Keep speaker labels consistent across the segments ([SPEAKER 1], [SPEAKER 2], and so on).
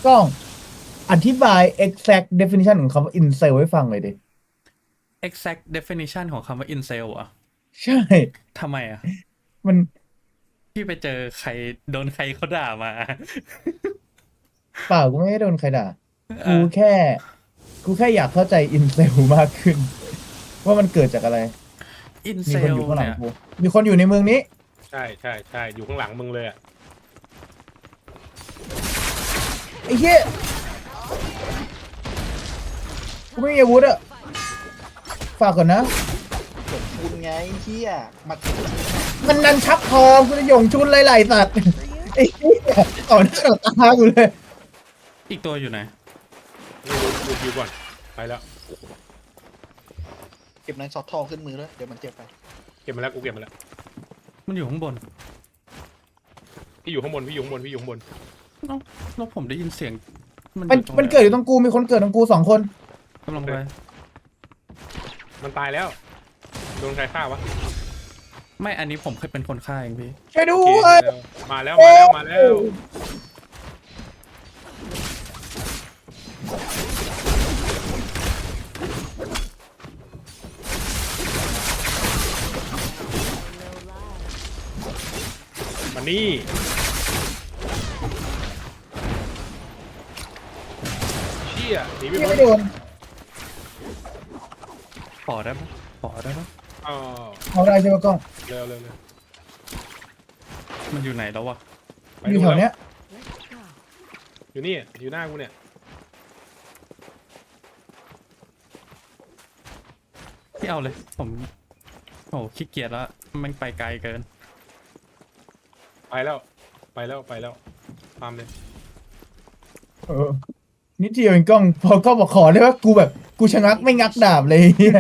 [SPEAKER 1] กล้องอธิบาย exact definition ของคำว่า incel ให้ฟังเลยดิ
[SPEAKER 2] exact definition ของคำว่า incel อ่ะ
[SPEAKER 1] ใช่
[SPEAKER 2] ทำไมอ่ะ
[SPEAKER 1] มัน
[SPEAKER 2] พี่ไปเจอใครโดนใครเขาด่ามา
[SPEAKER 1] เปล่ากูไม่ได้โดนใครด่ากู
[SPEAKER 2] อ่ะ
[SPEAKER 1] แค่กูแค่อยากเข้าใจ incel มากขึ้นว่ามันเกิดจากอะไรมีคนอ
[SPEAKER 2] incel
[SPEAKER 1] ยู่ข้างหลัง
[SPEAKER 2] เนี่ย
[SPEAKER 1] กูมีคนอยู่ในเมืองนี้
[SPEAKER 3] ใช่ใช่ใช่อยู่ข้างหลังมึงเลยอ่ะ
[SPEAKER 1] ไอ้เหี้ยกูไม่มีอาวุธอะฝากก่อนนะ
[SPEAKER 4] คุณไงเฮียมา
[SPEAKER 1] มันนันชักทองกูจะหยงชุนไหล่สัตว์ไอ้เหี้ยต่อหน้าต่อตากูเลย
[SPEAKER 2] อีกตัวอยู่ไหน
[SPEAKER 3] นี่ดูคิวก่อนไปแล้ว
[SPEAKER 4] เก็บนั้นช็อตทองขึ้นมือแล้วเดี๋ยวมันเจ็บไป
[SPEAKER 3] เก็บมาแล้วกูเก็บมาแล้ว
[SPEAKER 2] มันอยู่ข้างบน
[SPEAKER 3] พี่อยู่ข้างบนพี่อยู่ข้างบนพี่อยู่ข้างบน
[SPEAKER 2] เอ้าแล้วผมได้ยินเสียงมันอ
[SPEAKER 1] มัน
[SPEAKER 2] ยู่ตรง
[SPEAKER 1] มัน
[SPEAKER 2] ไหน
[SPEAKER 1] เกิดอยู่ตรงกูมีคนเกิดตรงกู2 คน
[SPEAKER 2] กำลังไป
[SPEAKER 3] มันตายแล้วโดนใครฆ่าวะ
[SPEAKER 2] ไม่อันนี้ผมเคยเป็นคนฆ่าเองพี่
[SPEAKER 1] ช่วยด้
[SPEAKER 3] โอเค
[SPEAKER 1] วย
[SPEAKER 3] มาแล้วมาแล้วมาแล้วมานี่เชี่ยหนีไม่
[SPEAKER 1] ยัง
[SPEAKER 3] พ้น
[SPEAKER 1] ไม่โดน
[SPEAKER 2] ขอได้ปะขอได้ปะ
[SPEAKER 3] อ๋อ
[SPEAKER 1] เอาได้ใช่ไหมกล้อง
[SPEAKER 3] เร็วเร็วเร็ว
[SPEAKER 2] มันอยู่ไหนแล้ววะ
[SPEAKER 3] ไป
[SPEAKER 1] อยู่
[SPEAKER 3] ดู
[SPEAKER 1] แถว
[SPEAKER 3] แล้ว
[SPEAKER 1] เนี้ย
[SPEAKER 3] อยู่นี่อยู่หน้ากูเนี่ย
[SPEAKER 2] พี่เอาเลยผมโอ้ขี้เกียจแล้วมันไปไกลเกิน
[SPEAKER 3] ไปแล้วไปแล้วไปแล้วตามเลย
[SPEAKER 1] เออนิดเดียวเองกล้องพอก็บอกขอได้ว่ากูแบบกูชะงักไม่งักดาบเลยเหี้ย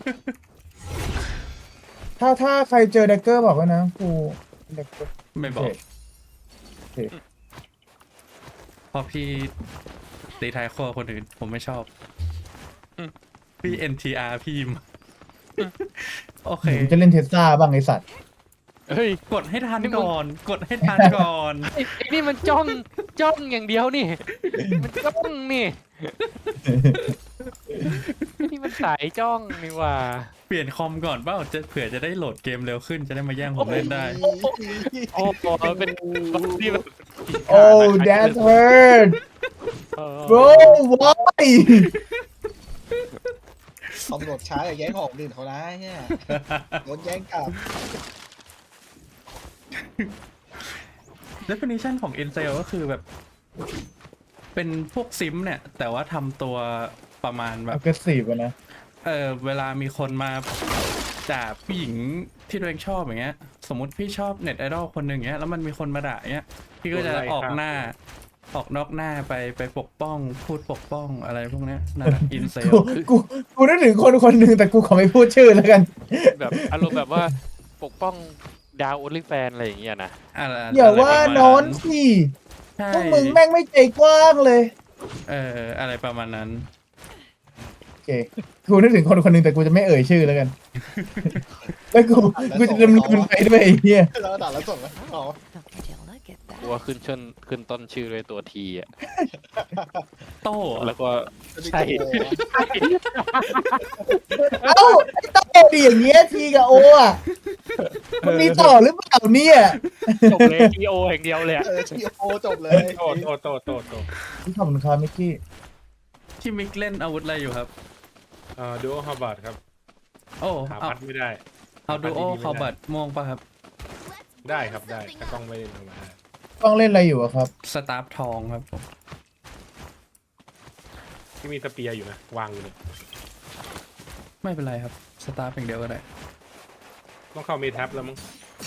[SPEAKER 1] ถ้าใครเจอแดกเกอร์บอกไว้นะกูแดกเกอร์
[SPEAKER 2] ไม่บอก
[SPEAKER 1] โอเค
[SPEAKER 2] เพราะพี่ตีท้ายครัวคนอื่นผมไม่ชอบพี่ NTR พี่มโอเค
[SPEAKER 1] ผมจะเล่นเทสลาบ้างไอสัตว์
[SPEAKER 5] เฮ้ย
[SPEAKER 2] กดให้ทัน
[SPEAKER 5] นี่มึง
[SPEAKER 2] ก่อน กดให้ทันก่อน
[SPEAKER 5] ไอ้นี่มันจ้องอย่างเดียวนี่ มันจ้องนี่ไอ้นี่มันสายจ้องนี่หว่า
[SPEAKER 2] เปลี่ยนคอมก่อนเปล่าจะเผื่อจะได้โหลดเกมเร็วขึ้นจะได้มาแย่งผมเล่นได้
[SPEAKER 5] โอ้โหเป็นที่แบบ
[SPEAKER 1] โอ้ that's hurt
[SPEAKER 5] เออ
[SPEAKER 1] bro why
[SPEAKER 4] ตำรวจช้าอย่าแย่งของอื่นเขานะเนี่ยโดนแย่งกลับ
[SPEAKER 2] definition ของ incel ก็คือแบบ เป็นพวกซิมเนี่ย แต่ว่าทำตัวประมาณแบบ
[SPEAKER 1] aggressive อะนะ
[SPEAKER 2] เวลามีคนมาด่าผู้หญิงที่ตัวเองชอบอย่างเงี้ย สมมติพี่ชอบเน็ตไอดอลคนหนึ่งเงี้ยแล้วมันมีคนมาด่าเงี้ยพี่ก็จะออกนอกหน้าไปปกป้องพูดปกป้องอะไรพวกเนี้ยนั่นแหละ incel
[SPEAKER 1] กูนึกถึงคนหนึ่งแต่กูขอไม่พูดชื่อแล้วกัน
[SPEAKER 5] แบบอารมณ์แบบว่าปกป้องดาวโอลิแฟนอะไรอย่างเงี้ยนะ
[SPEAKER 2] อะไร
[SPEAKER 1] อย่าว่า
[SPEAKER 2] อะไรประมณ
[SPEAKER 1] นอนสิ
[SPEAKER 2] ใช่
[SPEAKER 1] พวกมึงแม่งไม่ใจกว้างเลย
[SPEAKER 2] อะไรประมาณนั้น
[SPEAKER 1] โอเคกูนึกถึงคนหนึ่งแต่กูจะไม่เอ่ยชื่อแล้วกัน แล้วกูจะดำเนินไปด้วยไอ้เหี้ย
[SPEAKER 4] แล้วก็ด่าแล้วส่งไปอ๋อ
[SPEAKER 5] กลัวขึ้นต้นชื่อด้วยตัวทีอ่ะ
[SPEAKER 2] โต้
[SPEAKER 5] แล้วก็
[SPEAKER 4] ใช่
[SPEAKER 1] เอ้าไอ้โต้ดีอย่างเงี้ยทีกับโออ่ะมันมีต่อหรือเปล่าเนี่ย
[SPEAKER 5] จบเลยทีโออย่างเดียวเลยอะ
[SPEAKER 4] ทีโอจบเลย
[SPEAKER 3] โตโต
[SPEAKER 1] ขอบคุณครับมิกกี้
[SPEAKER 2] ที่มิกเล่นอาวุธอะไรอยู่ครับ
[SPEAKER 3] ดูฮาร์บาร์ดครับ
[SPEAKER 2] โอ้
[SPEAKER 3] หา
[SPEAKER 2] เอา
[SPEAKER 3] พัดไม่ได้
[SPEAKER 2] เอาดูโอ
[SPEAKER 3] ดีๆไม่ได้
[SPEAKER 2] คาบัตม่วงป่ะครับ
[SPEAKER 3] ได้ครับได้ถ้ากล้องไม่ได้ทำมา
[SPEAKER 1] ต้องเล่นอะไรอยู่อะครับ
[SPEAKER 2] สตาร์ฟทองครับผม
[SPEAKER 3] ที่มีสเปียร์อยู่นะวางอยู่เนี่ย
[SPEAKER 2] ไม่เป็นไรครับสตาร์ฟอย่างเดียวก็ได้
[SPEAKER 3] ต้องเข้าเมทับแล้วมั้ง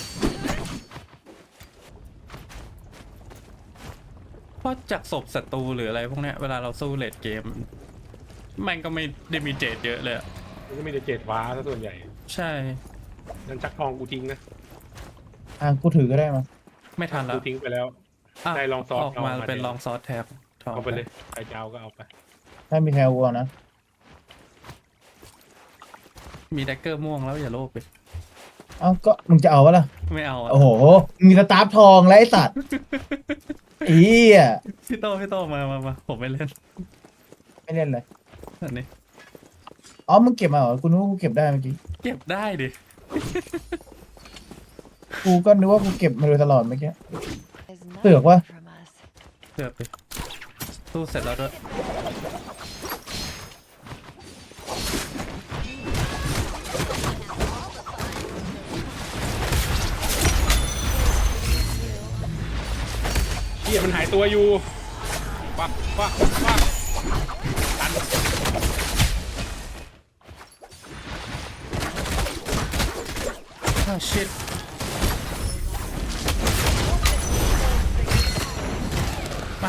[SPEAKER 2] เพราะจากศพศัตรูหรืออะไรพวกเนี้ยเวลาเราสู้เลดเกมมันก็ไม่ได้มีเจดเยอะเลยอะ
[SPEAKER 3] มันก็มีแต่เจ็ดว้าซะส่วนใหญ่
[SPEAKER 2] ใช่
[SPEAKER 3] นั่นชักทองกูทิ้งนะ
[SPEAKER 1] กูถือก็ได้มา
[SPEAKER 2] ไม่ทันแล้
[SPEAKER 3] กู
[SPEAKER 2] ว
[SPEAKER 3] ทิ้งไปแล้ว
[SPEAKER 2] ะ
[SPEAKER 3] ได้ลองซอส
[SPEAKER 2] ออกมา
[SPEAKER 3] เอามา
[SPEAKER 2] เป็น
[SPEAKER 3] ดิ
[SPEAKER 2] ลองซอสแท็บทอง
[SPEAKER 3] เอาไปเลยใครจะเอาก็เอาไป
[SPEAKER 1] ถ้ามีแคลวัวนะ
[SPEAKER 2] มีแดกเกอร์ม่วงแล้วอย่าโลภไป
[SPEAKER 1] เอ้าก็มึงจะเอาวะล่ะ
[SPEAKER 2] ไม่เอาอะ
[SPEAKER 1] โอ้โหมีสตาร์ฟทองแล้วไอ้สัตว์อีอ่ะ
[SPEAKER 2] พี่โตมาผมไม่เล่น
[SPEAKER 1] ไม่เล่นเลย
[SPEAKER 2] อันนี้
[SPEAKER 1] อ๋อมึงเก็บมาเหรอกูนึกว่ากูเก็บได้เมื่อกี้
[SPEAKER 2] เก็บได้ดิ
[SPEAKER 1] กูก็นึกว่ากูเก็บมาโดยตลอดเมื่อกี้
[SPEAKER 6] Is
[SPEAKER 1] Được
[SPEAKER 6] nothing
[SPEAKER 1] quá.
[SPEAKER 6] from us.
[SPEAKER 2] เกือบดิสู้เสร็จแล้วด้วย
[SPEAKER 3] เฮียมันหายตัวอยู่ปักปักปักตัน
[SPEAKER 2] อ้าวชิดมา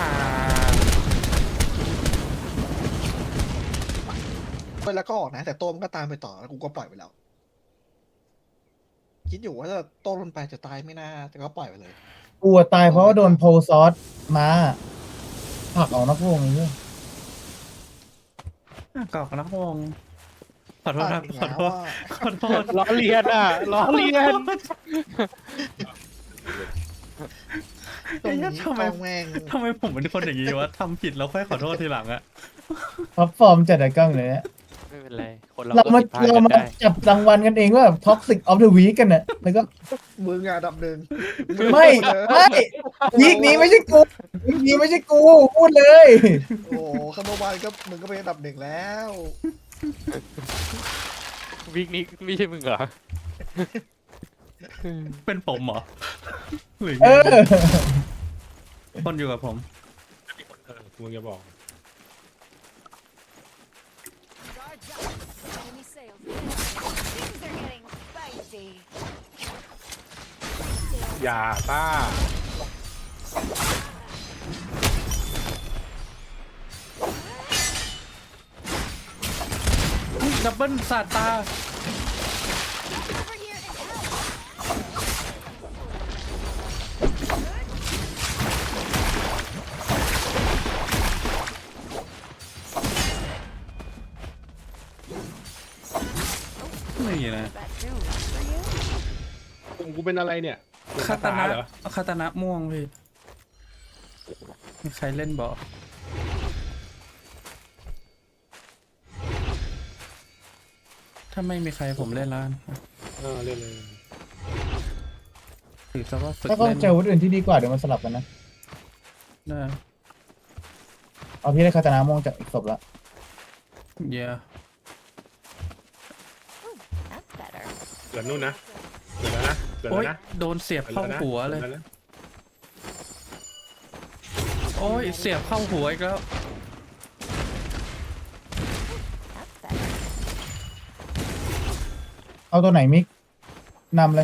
[SPEAKER 4] ไปแล้วก็ออกนะ แต่โต้มันก็ตามไปต่อแล้วกูก็ปล่อยไปแล้ว คิดอยู่ว่าจะโต้มันไปจะตายไม่น่าแต่ก็ปล่อยไปเลย
[SPEAKER 1] กูอะตายเพราะว่าโดนโพลซอสมาผลักออกนอกวงเลย
[SPEAKER 2] กอกนักวงขอโทษครับ
[SPEAKER 4] อีก
[SPEAKER 2] ขอ
[SPEAKER 4] แล้ว
[SPEAKER 2] โทษ
[SPEAKER 4] ว่า
[SPEAKER 2] ขอโทษ
[SPEAKER 5] ล้อเลียนอ่ะล้อเลียน
[SPEAKER 4] ตรงนี้
[SPEAKER 2] ทำไม
[SPEAKER 4] ต้องแม่ง
[SPEAKER 2] ทำไมผมเป็นคนอย่างนี้วะทำผิดแล้วค่อยขอโทษทีหลังอะ
[SPEAKER 1] ท็อปฟอร์มจัดไอ้กล้องเลยเนี่ย
[SPEAKER 5] ไม่เป็นไร คนเรา
[SPEAKER 1] เรา
[SPEAKER 5] ก็
[SPEAKER 1] มา
[SPEAKER 5] ผิดพลาด
[SPEAKER 1] เรา
[SPEAKER 5] กัน
[SPEAKER 1] มา
[SPEAKER 5] ได้
[SPEAKER 1] จับรางวัลกันเองว่าท็อกซิกออฟเดอะวีคกันน่ะแล้วก็
[SPEAKER 4] มึงอ่ะอันดับหนึ่ง
[SPEAKER 1] ไม่ไม่วีคนี้ไม่ใช่กูวีคนี้ไม่ใช่กูพูดเลย
[SPEAKER 4] โอ้โหข้างเมื่อวานก็มึงก็เป็นอันดับหนึ่งแล้ว
[SPEAKER 5] วีคนี้ไม่ใช่มึงเหรอ
[SPEAKER 2] เป็นผมเหรอหรือไง
[SPEAKER 1] เออ
[SPEAKER 2] คนอยู่กับผม
[SPEAKER 3] มึงจะบอก
[SPEAKER 6] Enemy sails. Things are getting spicy.
[SPEAKER 3] อย่าต้า
[SPEAKER 2] ดับเบิลสาดตา
[SPEAKER 6] Over here and help.
[SPEAKER 2] นี่นะ
[SPEAKER 6] That too. For you?
[SPEAKER 3] กูเป็นอะไรเนี่ยเป็น
[SPEAKER 2] คาตานะ
[SPEAKER 3] เหรอ
[SPEAKER 2] คาตานะม่วงพี่มีใครเล่นบอกถ้าไม่มีใครผมเล่นแล้วกัน
[SPEAKER 3] เล่นเลย
[SPEAKER 2] ถือซะว่าฝึก
[SPEAKER 1] ถ้าเขา
[SPEAKER 2] เล่น
[SPEAKER 1] เจออาวุธอื่นที่ดีกว่าเดี๋ยวมันสลับกันนะ
[SPEAKER 2] ได้
[SPEAKER 1] เอาพี่ได้คาตานาโมงจากอีกศพละ
[SPEAKER 2] เยอะ
[SPEAKER 6] That's better.
[SPEAKER 3] เกิดนู่นนะเกิดแล้วนะเกิด
[SPEAKER 2] โอ๊
[SPEAKER 3] แล้ว
[SPEAKER 2] ย
[SPEAKER 3] นะ
[SPEAKER 2] โดนเสียบ
[SPEAKER 3] เกิด
[SPEAKER 2] เข้า
[SPEAKER 3] แล้วนะ
[SPEAKER 2] หัวเลย
[SPEAKER 3] กิดแวนะ
[SPEAKER 2] โอ้ยเสียบเข้าหัวอีกแล้ว
[SPEAKER 6] That's better.
[SPEAKER 1] เอาตัวไหนมิกนำเลย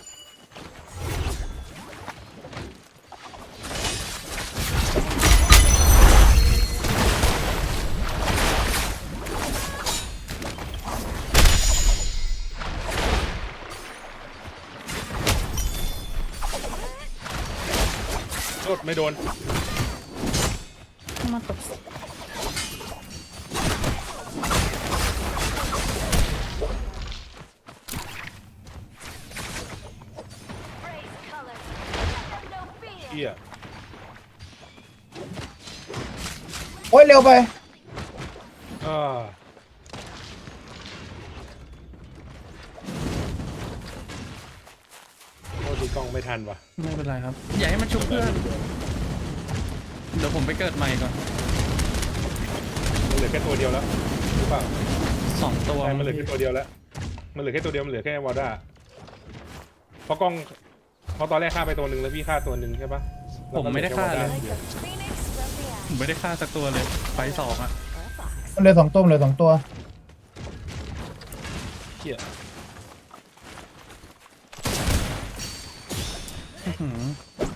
[SPEAKER 3] โทษไม่โดน
[SPEAKER 2] มาตก
[SPEAKER 3] เฮีย
[SPEAKER 1] โอ้ยเร็วไป
[SPEAKER 3] อ่าโทษทีกล้องไม่ทันว่ะ
[SPEAKER 2] ไม่เป็นไรครับ อย่าให้มันชุบเพื่อน เดี๋ยวผมไปเกิดใหม่ก่อน
[SPEAKER 3] มันเหลือแค่ตัวเดียวแล้วหรือเปล่า
[SPEAKER 2] 2 ตัว
[SPEAKER 3] ใช่มันเหลือแค่ตัวเดียวแล้วมันเหลือแค่ตัวเดียวมันเหลือแค่วอลด้าเพราะกล้องเพราะตอนแรกฆ่าไปตัวหนึ่งแล้วพี่ฆ่าตัวหนึ่งใช่ปะ
[SPEAKER 2] ผมไม่ได้ฆ่าเลย
[SPEAKER 6] Like a phoenix from the
[SPEAKER 2] ผมไม่ได้ฆ่าสักตัวเลยไฟสองอะ
[SPEAKER 6] or a fox.
[SPEAKER 1] มันเหลือ2ตัวเหลือ2ตัว
[SPEAKER 3] เฮีย
[SPEAKER 2] อื้อหือ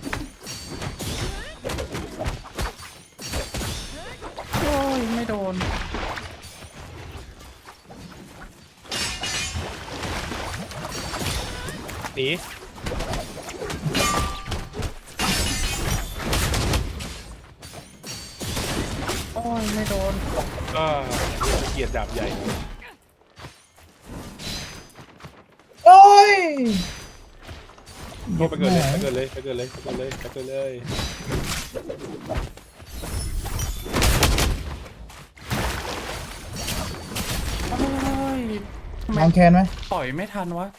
[SPEAKER 2] โอ้ยไม่โดน
[SPEAKER 3] หนี
[SPEAKER 2] โอ้ยไม่โดน
[SPEAKER 3] ก็เกลียดดาบใหญ่
[SPEAKER 1] โอ้ย
[SPEAKER 3] ไปเกิดเลยไปเกิดเลยไปเกิดเลยไปเกิดเลยไปเกิดเลย
[SPEAKER 2] โอ้ยทำไม
[SPEAKER 1] มองแคนไหม
[SPEAKER 2] ปล่อยไม่ทันวะ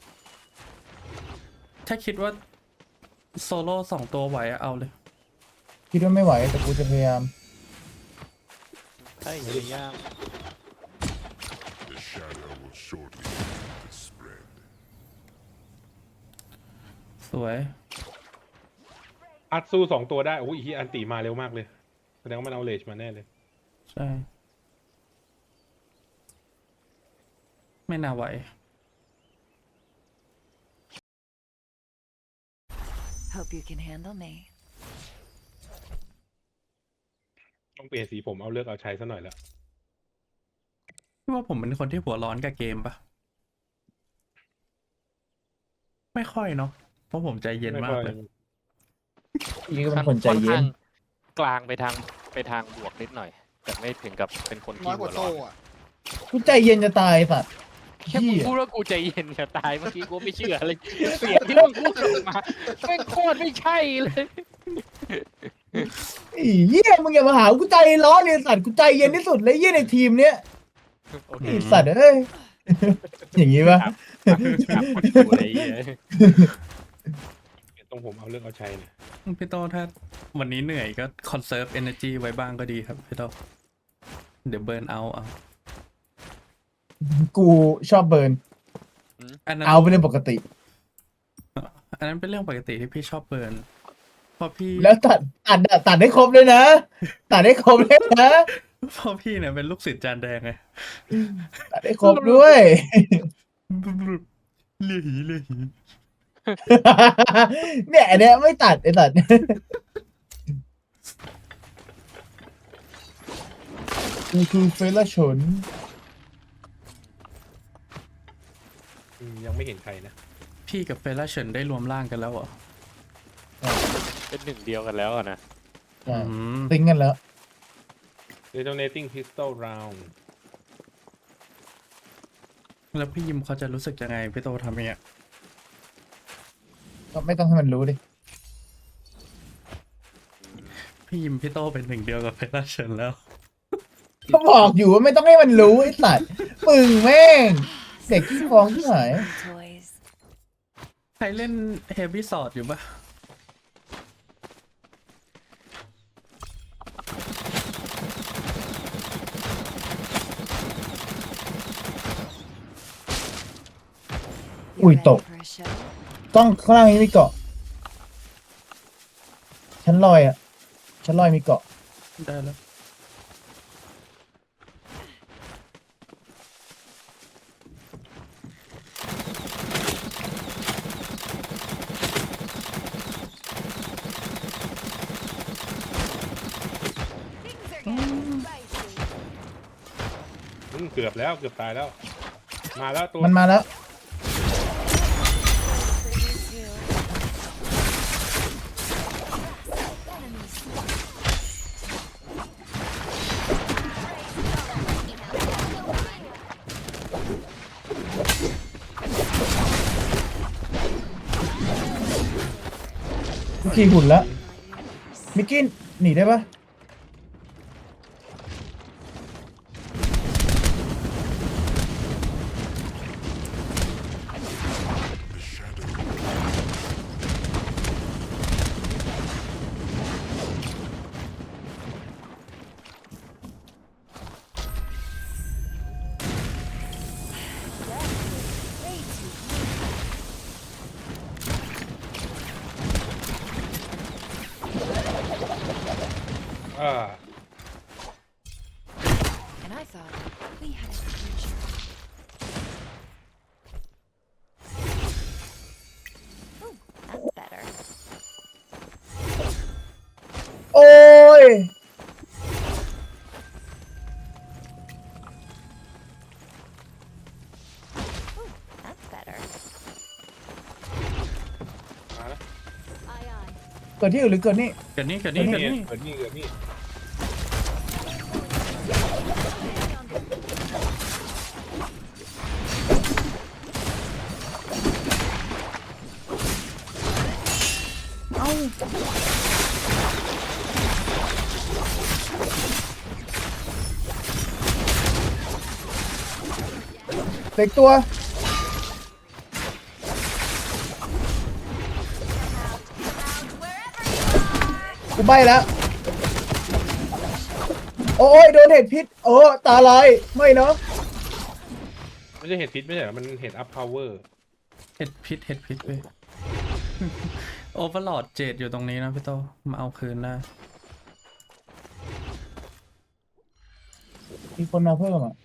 [SPEAKER 2] ถ้าคิดว่าโซโล่2 ตัวไหวอะเอาเลย
[SPEAKER 1] คิดว่าไม่ไหวแต่กูจะพยายาม
[SPEAKER 5] ใช่ยาก
[SPEAKER 7] The shadow will shortly spread.
[SPEAKER 2] สวย
[SPEAKER 3] อัดสู้2 ตัวได้โอ้ยอีอันตีมาเร็วมากเลยแสดงว่ามันเอาเลจมาแน่เลย
[SPEAKER 2] ใช่ ไม่น่าไหว
[SPEAKER 6] Hope you can handle me.
[SPEAKER 3] ต้องเปลี่ยนสีผมเอาเลือกเอาใช้ซะหน่อยแล้ว
[SPEAKER 2] พี่ว่าผมเป็นคนที่หัวร้อนกับเกมปะไม่ค่อยเนาะ เพราะผมใจเย็นมากเลย
[SPEAKER 1] พี่ก็เป็นคนใจเย็น
[SPEAKER 5] กลางไปทางบวกนิดหน่อย แต่ไม่ถึงกับเป็นคน
[SPEAKER 4] น้
[SPEAKER 5] ที่
[SPEAKER 4] อยก
[SPEAKER 5] หัว
[SPEAKER 4] ว่า
[SPEAKER 5] ร้
[SPEAKER 4] โซ่
[SPEAKER 5] อน
[SPEAKER 4] อะ
[SPEAKER 1] กูใจเย็นจะตายสัตว์
[SPEAKER 5] แค่มึง
[SPEAKER 1] เหี้ย
[SPEAKER 5] พูดว่ากูใจเย็นจะตายเมื่อกี้กูไม่เชื่อเลยเสียงที่มึงพูดออกมาแม่งโคตรไม่ใช่เลย
[SPEAKER 1] ไอ้เหี้ยมึงอย่ามาหากูใจร้อนเลยสัตว์กูใจเย็นที่สุดเลยเหี้ยในทีมเนี้ย
[SPEAKER 5] โอเค
[SPEAKER 1] ไอ้สัตว์เอ้ย อย่างงี้ปะ
[SPEAKER 5] กลับมาดูอะไรอย่างเงี้ย
[SPEAKER 3] ตรงผมเอาเลือกเอาใช้เนี่ย
[SPEAKER 2] พี่โตถ้าวันนี้เหนื่อยก็คอนเซิร์ฟเอเนอร์จีไว้บ้างก็ดีครับพี่โตเดี๋ยวเบิร์นเอา
[SPEAKER 1] กูชอบเบิร์น
[SPEAKER 2] อันนั้น
[SPEAKER 1] เอาเป็นเรื่องปกติ
[SPEAKER 2] อันนั้นเป็นเรื่องปกติที่พี่ชอบเบิร์นเพราะพี่
[SPEAKER 1] แล้วตัดได้ครบเลยนะ ตัดได้ครบเลยนะ
[SPEAKER 2] เพราะพี่เนี่ยเป็นลูกศิษย์จานแดงไง
[SPEAKER 1] ตัดได้ครบด้วย
[SPEAKER 2] เลี่ยหี
[SPEAKER 1] เนี่ยอันเนี้ยไม่ตัดไอ้ตัดกูคือเฟลชน
[SPEAKER 3] ยังไม่เห็นใครนะ
[SPEAKER 2] พี่กับเฟล่าเฉินได้รวมร่างกันแล้วเหรอ
[SPEAKER 5] เป็นหนึ่งเดียวกันแล้วอะนะ
[SPEAKER 2] อืม
[SPEAKER 1] ติ้งกันแล้ว
[SPEAKER 3] detonating pistol round
[SPEAKER 2] แล้วพี่ยิมเขาจะรู้สึกยังไงพี่โตทำอย่างเงี้ย
[SPEAKER 1] ก็ไม่ต้องให้มันรู้ดิ
[SPEAKER 2] พี่ยิมพี่โตเป็นหนึ่งเดียวกับเฟล่าเฉินแล้ว
[SPEAKER 1] ก็บอกอยู่ว่าไม่ต้องให้มันรู้ไอ้สัตว์มึงแม่งเด็กขี้ฟ้องที่ไหน
[SPEAKER 6] Toys.
[SPEAKER 2] ใครเล่นเฮฟวี่สอดอยู่ปะ
[SPEAKER 1] อุ้ย
[SPEAKER 6] You
[SPEAKER 1] ต
[SPEAKER 6] ready
[SPEAKER 1] ก
[SPEAKER 6] for a show?
[SPEAKER 1] ต้องข้างล่างนี้มีเกาะชั้นลอยอ่ะชั้นลอยมีเกาะ
[SPEAKER 2] ได้แล้ว
[SPEAKER 6] Things are getting spicy.
[SPEAKER 3] เกือบแล้วเกือบตายแล้ว มาแล้วตัว
[SPEAKER 1] มันมาแล้ว
[SPEAKER 6] For you too. Enemies.
[SPEAKER 1] ขี่หุ่นแล้วมิกกี้หนีได้ปะ
[SPEAKER 7] The shadow
[SPEAKER 3] อ่า
[SPEAKER 6] And I thought we had a future. Ooh, that's better.
[SPEAKER 1] โอ้ย
[SPEAKER 6] Ooh, that's better.
[SPEAKER 3] มาแล้ว
[SPEAKER 6] Aye, aye.
[SPEAKER 1] เกิดที่อื่นหรือเกิดนี่
[SPEAKER 2] เกิดนี่เกิดนี่เกิดนี่
[SPEAKER 3] เกิดนี่เกิดนี่
[SPEAKER 6] Stay on
[SPEAKER 1] เด็กตัวกูใบแล้ว โอ้ยโดนเห็ดพิษโอ้ตาลายไม่เนาะ
[SPEAKER 3] ไม่ใช่เห็ดพิษไม่ใช่เหรอมันเห็ดอัพพาวเวอร์
[SPEAKER 2] เห็ดพิษเว้ย โอเวอร์ลอดเจดอยู่ตรงนี้นะพี่โตมาเอาคืนได้
[SPEAKER 1] มีคนมาเพิ่มอ่ะ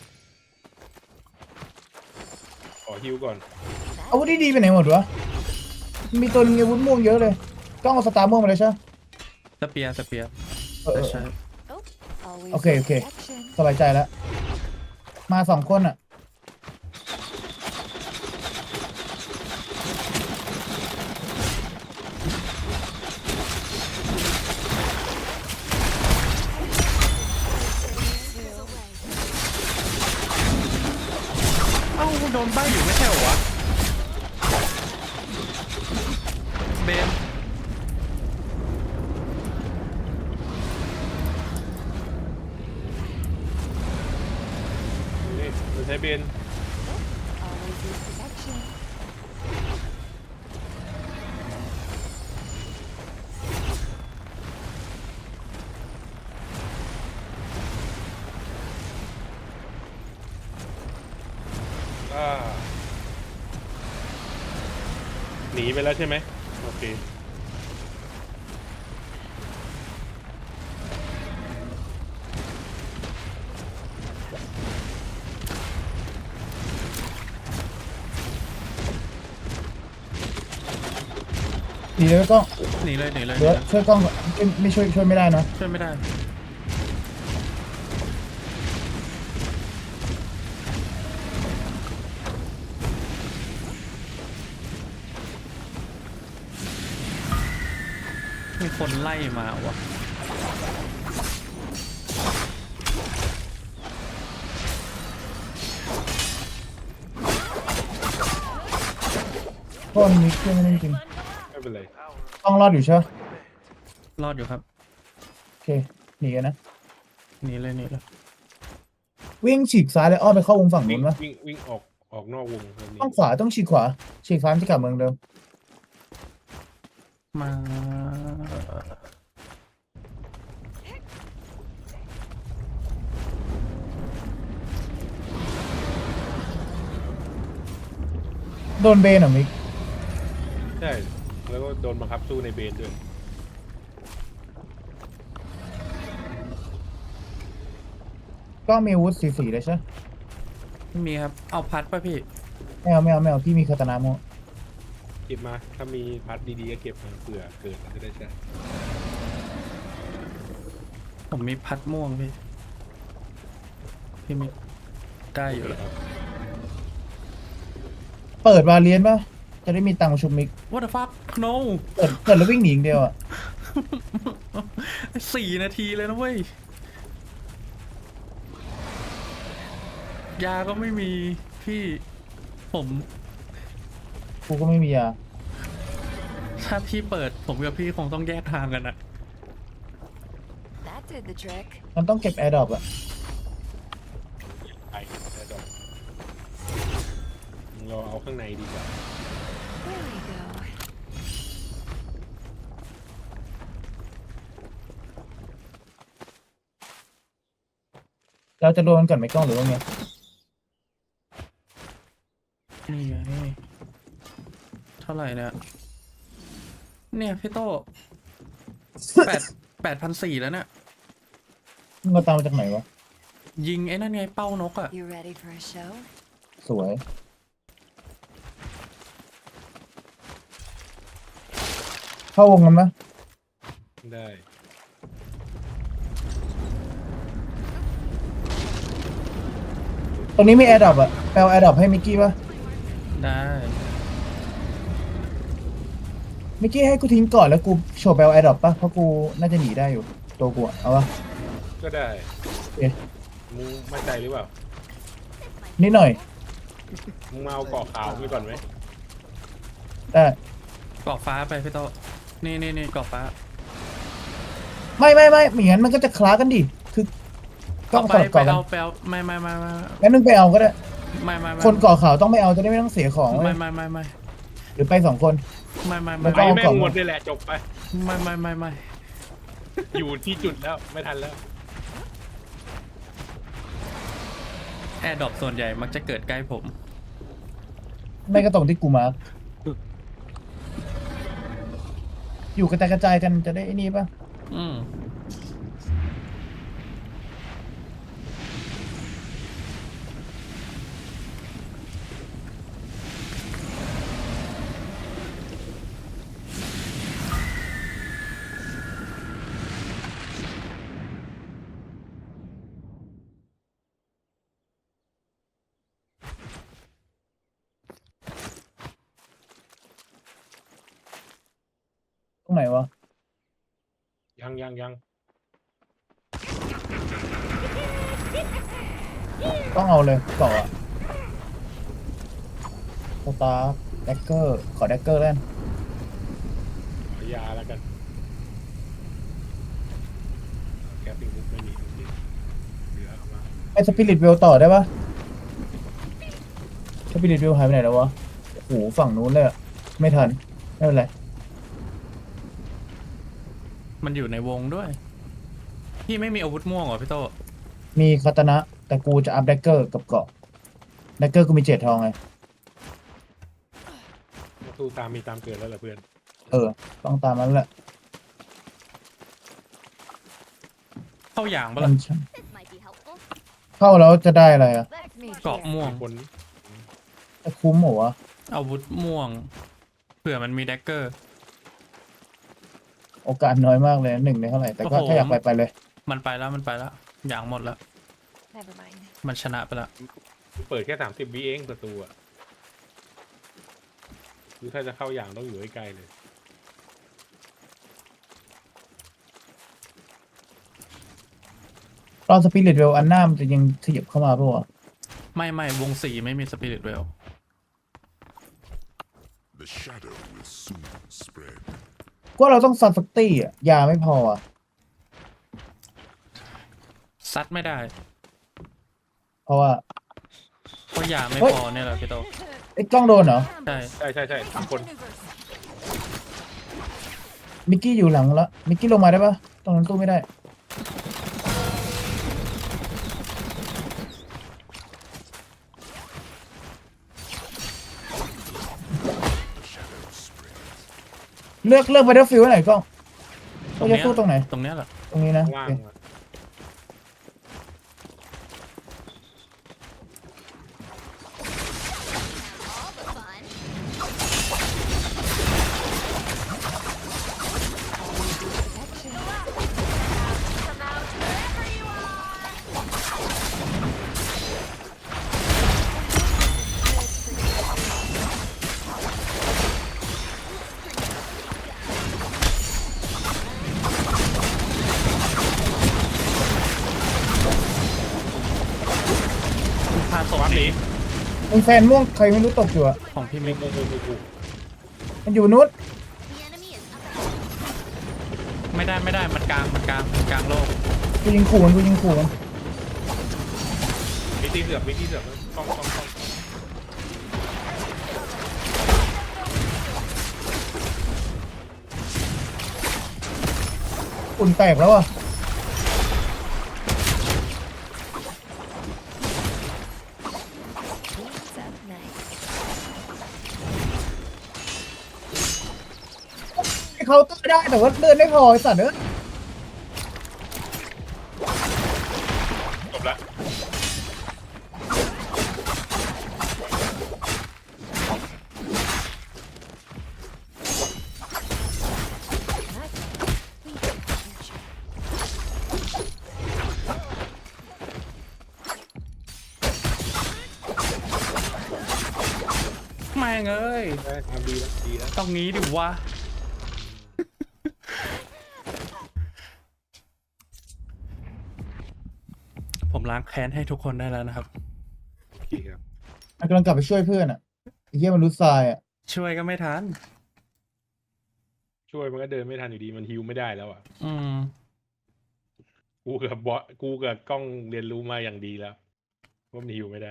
[SPEAKER 3] ขอฮิวก่อน
[SPEAKER 1] อาวุธดีๆไปไหนหมดวะมีตัวนึงอาวุธม่วงเยอะเลยกล้องเอาสตาร์ม่วงมาเลยใช่ไหม
[SPEAKER 2] สเปียร์
[SPEAKER 1] เออ
[SPEAKER 2] ใช่
[SPEAKER 6] Always
[SPEAKER 1] Okay,
[SPEAKER 6] with
[SPEAKER 1] okay.
[SPEAKER 6] protection.
[SPEAKER 1] สบายใจแล้ว มา2 คนอ่ะ
[SPEAKER 2] เอ้าโดนใบอยู่ไม่ใช่เหรอวะเบน
[SPEAKER 3] นี่มันใช้เบน
[SPEAKER 6] Always with protection.
[SPEAKER 3] อ่าหนีไปแล้วใช่ไหมโอเค
[SPEAKER 1] หนีเลยกล้อง
[SPEAKER 2] หนีเลย
[SPEAKER 1] เดี๋ยวช่วยกล้องไม่ช่วยไม่ได้นะ
[SPEAKER 2] ช่วยไม่ได้ มีคนไล่มาวะ
[SPEAKER 1] เพราะมันมีเครื่องนั่นจริง
[SPEAKER 3] ไม่เป็นไร
[SPEAKER 1] กล้องรอดอยู่ใช่ไหม
[SPEAKER 2] รอดอยู่ครับ
[SPEAKER 1] โอเคหนีกันนะ
[SPEAKER 2] หนีเลย
[SPEAKER 1] วิ่งฉีกซ้ายเลยอ้อมไปเข้าวงฝั่ง
[SPEAKER 3] วิ่
[SPEAKER 1] นู้
[SPEAKER 3] ง
[SPEAKER 1] นวะ
[SPEAKER 3] วิ่งออกนอกวงแบบนี้
[SPEAKER 1] ต้องขวาต้องฉีกขวาฉีกซ้ายมันจะกลับเมืองเดิม
[SPEAKER 2] มา
[SPEAKER 1] โดนเบนเหรอมิก
[SPEAKER 3] ใช่แล้วก็โดนบังคับสู้ในเบนด้วย
[SPEAKER 1] ก็มีอาวุธสีเลยใช่ไหม
[SPEAKER 2] ไม่มีครับ เอาพัดป่ะพี่
[SPEAKER 1] ไม่เอาพี่มีคาตานาโม
[SPEAKER 3] เก็บมาถ้ามีพัดดีๆก็เก็บมาเผื่อเกิดจะได้ใช้
[SPEAKER 2] ผมมีพัดม่วงพี่ พี่มีได้อยู่แล้ว
[SPEAKER 3] ครับ
[SPEAKER 1] เปิดวาเลียนป่ะจะได้มีตังค์มาชุบมิก
[SPEAKER 2] What the fuck no
[SPEAKER 1] เปิดแล้ววิ่งหนีอย่างเดียวอ่ะ
[SPEAKER 2] 4 นาทีเลยนะเว้ย ยาก็ไม่มีพี่ผม
[SPEAKER 1] กูก็ไม่มียา
[SPEAKER 2] ถ้าพี่เปิดผมกับพี่คงต้องแยกทางกันอะ
[SPEAKER 6] That did the trick.
[SPEAKER 1] มันต้องเก็บแอร์ดรอปอ่ะ
[SPEAKER 3] ไปแต่ดอกเราเอาข้างในดีกว่า
[SPEAKER 6] There we go.
[SPEAKER 1] เราจะโดนก่อนไหมกล้องหรือว่าไง
[SPEAKER 2] นี่ไงเท่าไหร่เนี่ยเนี่ยพี่โต้8,400แล้วเนี่ย
[SPEAKER 1] มึงเอาตังค์มาจากไหนวะ
[SPEAKER 2] ยิงไอ้นั่นไงเป้านกอะ
[SPEAKER 6] You ready for a show?
[SPEAKER 1] สวย เข้าวงกันปะ
[SPEAKER 3] ได้
[SPEAKER 1] ตรงนี้มีแอร์ดรอปอ่ะแปลแอร์ดรอปให้มิกกี้ปะ
[SPEAKER 2] ได้
[SPEAKER 1] มิกกี้ให้กูทิ้งก่อนแล้วกูโชว์แปลแอร์ดรอปปะเพราะกูน่าจะหนีได้อยู่ตัวกูอะเอาปะ
[SPEAKER 3] ก็ได้
[SPEAKER 1] เอ๊ะ
[SPEAKER 3] มึงมั่นใจหรือเปล่า
[SPEAKER 1] นิดหน่อย
[SPEAKER 3] มึงมาเอาเกาะขาวไปก่อนไหม
[SPEAKER 1] ได้
[SPEAKER 2] กรอกฟ้าไปพี่โต้นี่กรอบฟ้า
[SPEAKER 1] ไม่อย่างนั้นมันก็จะคล้ากันดิคือต้อง
[SPEAKER 2] ไป
[SPEAKER 1] สลับ
[SPEAKER 2] ไป
[SPEAKER 1] เกาะกัน
[SPEAKER 2] เอาไปเอาไม่
[SPEAKER 1] งั้นนึงไปเอาก็ได้
[SPEAKER 2] ไม่
[SPEAKER 1] คนเกาะขาวต้องไม่เอาจะได้ไม่ต้องเสียของ
[SPEAKER 2] ไม่
[SPEAKER 1] เว้ย
[SPEAKER 2] ไม่
[SPEAKER 1] หรือไปสองคน
[SPEAKER 2] ไม่
[SPEAKER 1] แล้ว
[SPEAKER 3] ไป
[SPEAKER 1] ก็
[SPEAKER 3] แม่งหมดเลยแหละจบไป
[SPEAKER 2] ไม่
[SPEAKER 3] อยู่ที่จุดแล้วไม่ทันแล้ว
[SPEAKER 2] แอร์ดรอปส่วนใหญ่มักจะเกิดใกล้ผม
[SPEAKER 1] ไม่ก็ตรงที่กูมาร์คอยู่กระจายกันจะได้ไอ้นี่ป่ะ
[SPEAKER 2] อืม
[SPEAKER 1] ตรงไหนวะ
[SPEAKER 3] ยัง
[SPEAKER 1] ต้องเอาเลยเกาะสตาร์แดกเกอร์ขอแดกเกอร์เล่น
[SPEAKER 3] ขอยาแล้วกันแกปิ้งบุ๊กไม่มีจริงๆเหลือเอามา
[SPEAKER 1] ไอสปิริตเวลต่อได้ปะสปิริตเวลหายไปไหนแล้ววะโอ้โหฝั่งนู้นเลยอะไม่ทันไม่เป็นไร
[SPEAKER 2] มันอยู่ในวงด้วย พี่ไม่มีอาวุธม่วงเหรอพี่โต
[SPEAKER 1] มีคาตานะ แต่กูจะอัพแดกเกอร์กับเกาะแดกเกอร์กูมี7 ทองไง
[SPEAKER 3] สู้ตามมีตามเกิดแล้วเหรอเพื่อน
[SPEAKER 1] ต้องตามนั้นแหละ
[SPEAKER 2] เข้าอย่างปะ
[SPEAKER 1] มั
[SPEAKER 2] ล่ะ
[SPEAKER 1] น
[SPEAKER 6] This might be helpful.
[SPEAKER 1] เข้าแล้วจะได้อะไรอะ
[SPEAKER 6] Let me
[SPEAKER 2] เกาะ
[SPEAKER 6] share.
[SPEAKER 2] ม่วง
[SPEAKER 3] คน
[SPEAKER 1] จะคุ้มเหรอวะ
[SPEAKER 2] อาวุธม่วง เผื่อมันมีแดกเกอร์
[SPEAKER 1] โอกาสน้อยมากเลย1 ในเท่าไหร่แต่ก็
[SPEAKER 2] โอ้โห
[SPEAKER 1] ถ้าอยากไปเลย
[SPEAKER 2] มันไปแล้วอย่างหมดแล้ว
[SPEAKER 6] Never mind.
[SPEAKER 2] มันชนะไปแล้ว
[SPEAKER 3] เปิดแค่30 วิเองประตูอ่ะคือถ้าจะเข้าอย่างต้องอยู่ใกล้ๆเลย
[SPEAKER 1] ตอนสปิริตเวลอันหน้ามันจะยังขยับเข้ามาปะวะ
[SPEAKER 2] ไม่วง4ไม่มีสปิริตเวล
[SPEAKER 7] The shadow will soon spread.
[SPEAKER 1] ก็เราต้องซัดสักตี้อะยาไม่พออะ
[SPEAKER 2] ซัดไม่ได้
[SPEAKER 1] เพราะว่า
[SPEAKER 2] เพราะยาไม่
[SPEAKER 1] เฮ้ย
[SPEAKER 2] พอเนี่ยแหละพี่โต
[SPEAKER 1] ไอ้กล้องโดนเหรอ
[SPEAKER 2] ใช่
[SPEAKER 3] ใช่สามคน
[SPEAKER 1] มิกกี้อยู่หลังแล้วมิกกี้ลงมาได้ปะตรงนั้นตู้ไม่ได้ เลือกไปเดอร์ฟิลไหนกล้องเราจะสู้ตรงไหน
[SPEAKER 2] ตรงเนี้ยแหละ
[SPEAKER 1] ตรงนี้นะ
[SPEAKER 3] ว่าง
[SPEAKER 1] โอเค
[SPEAKER 3] อะ
[SPEAKER 6] All the fun. Come out wherever you are.
[SPEAKER 2] พาศพ
[SPEAKER 3] วัด
[SPEAKER 2] ห
[SPEAKER 3] ห
[SPEAKER 2] นี
[SPEAKER 3] นี
[SPEAKER 1] มีแฟนม่วงใครไม่รู้ตกอยู่อะ
[SPEAKER 2] ของพี่มิก
[SPEAKER 1] มันอยู่นู้น
[SPEAKER 6] The enemy is up ahead.
[SPEAKER 2] ไม่ได้มันกลางโลก
[SPEAKER 1] กูยิงขู่มัน
[SPEAKER 3] มีที่เสือกต้อง
[SPEAKER 1] อุ่นแตกแล้วอะ
[SPEAKER 6] What's up next?
[SPEAKER 1] เขาน์เตอร์ได้แต่ว่าเลือดไม่พอไอ้สัตว์เอ้ย
[SPEAKER 3] จบละ
[SPEAKER 2] แม่งเอ้ย
[SPEAKER 3] ได้ทำดีแล้ว
[SPEAKER 2] ต้องงี้ดิวะ ผมล้างแค้นให้ทุกคนได้แล้วนะครับ
[SPEAKER 3] โอเคครับ
[SPEAKER 1] มันกำลังกลับไปช่วยเพื่อนอะไอ้เหี้ยมันรู้ทรายอะ
[SPEAKER 2] ช่วยก็ไม่ทัน
[SPEAKER 3] ช่วยมันก็เดินไม่ทันอยู่ดีมันฮิวไม่ได้แล้วอ่ะ
[SPEAKER 2] อืม
[SPEAKER 3] กูกับบอสกูกับกล้องเรียนรู้มาอย่างดีแล้วว่ามันฮิวไม่ได้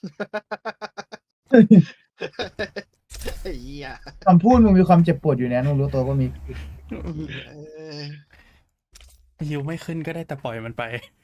[SPEAKER 4] ไอ้เหี้ย
[SPEAKER 1] คำพูดมึงมีความเจ็บปวดอยู่นะมึงรู้ตัวก็มี
[SPEAKER 4] เออ
[SPEAKER 2] ฮิวไม่ขึ้นก็ได้แต่ปล่อยมันไป